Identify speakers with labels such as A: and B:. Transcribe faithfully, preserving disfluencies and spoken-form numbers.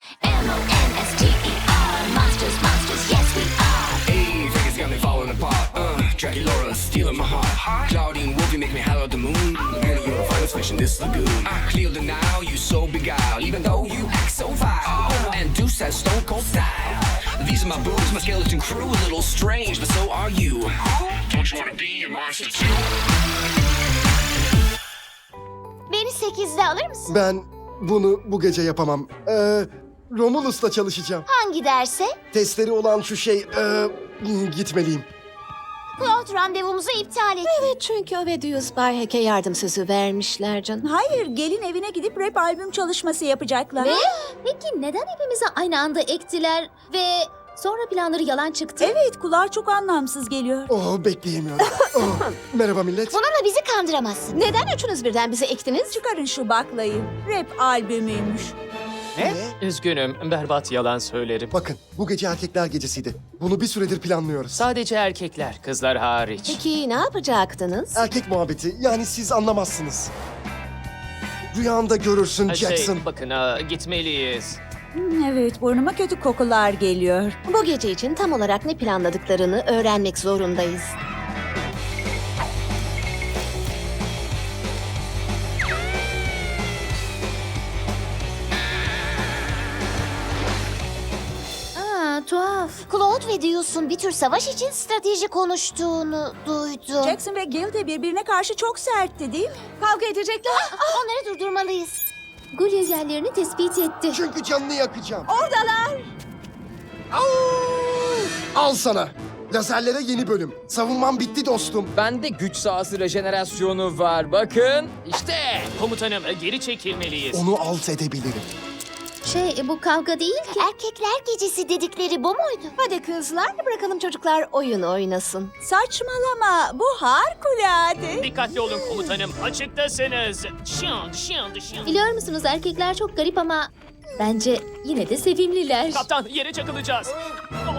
A: M O N S T E R. Monsters, monsters, yes we are.
B: Hey, Vegas got me falling apart. Uh, Dracula stealing my heart. Claudine Wolfie make me holler at the moon. And you're a finest fish in this lagoon. I clear the now, you so beguiled. Even though you act so vile. And Deuce has stone cold style. These are my boobs, my skeleton crew. A little strange, but so are you. Don't you wanna be a monster too?
A: Beni sekizde alır mısın?
C: Ben bunu bu gece yapamam. Ee, Romulus'la çalışacağım.
A: Hangi derse?
C: Testleri olan şu şey... ee, gitmeliyim.
A: Claude randevumuzu iptal etti.
D: Evet, çünkü o ve Diyus Bay Hack'e yardım sözü vermişler canım.
E: Hayır, gelin evine gidip rap albüm çalışması yapacaklar.
F: Ve peki neden hepimize aynı anda ektiler ve sonra planları yalan çıktı?
E: Evet, kulağa çok anlamsız geliyor.
C: Oh, bekleyemiyorum. Oh, merhaba millet.
A: Bununla bizi kandıramazsın.
D: Neden üçünüz birden bize ektiniz?
E: Çıkarın şu baklayı. Rap albümüymüş.
C: Ne?
G: Üzgünüm, berbat yalan söylerim.
C: Bakın, bu gece erkekler gecesiydi. Bunu bir süredir planlıyoruz.
G: Sadece erkekler, kızlar hariç.
D: Peki ne yapacaktınız?
C: Erkek muhabbeti, yani siz anlamazsınız. Rüyanda görürsün
G: Ha,
C: Jackson.
G: Şey, bakın, aa, gitmeliyiz.
E: Hmm, evet, burnuma kötü kokular geliyor.
D: Bu gece için tam olarak ne planladıklarını öğrenmek zorundayız.
F: Aa, tuhaf.
A: Claude ve Diyus'un bir tür savaş için strateji konuştuğunu duydum.
E: Jackson ve Gil de birbirine karşı çok sertti değil mi?
F: Kavga edecekler.
A: Onları durdurmalıyız.
F: Gulya yerlerini tespit etti.
C: Çünkü canını yakacağım.
E: Oradalar.
C: Al sana. Lazerlere yeni bölüm. Savunmam bitti dostum.
H: Bende güç sahası rejenerasyonu var. Bakın işte.
G: Komutanım, geri çekilmeliyiz.
C: Onu alt edebilirim.
F: Şey, bu kavga değil ki.
A: Erkekler gecesi dedikleri bu muydu?
D: Hadi kızlar, bırakalım çocuklar oyun oynasın.
E: Saçmalama, bu harikulade.
G: Dikkatli olun komutanım, açıktasınız. Şın, şın, şın.
F: Biliyor musunuz erkekler çok garip ama bence yine de sevimliler.
G: Kaptan, yere çakılacağız.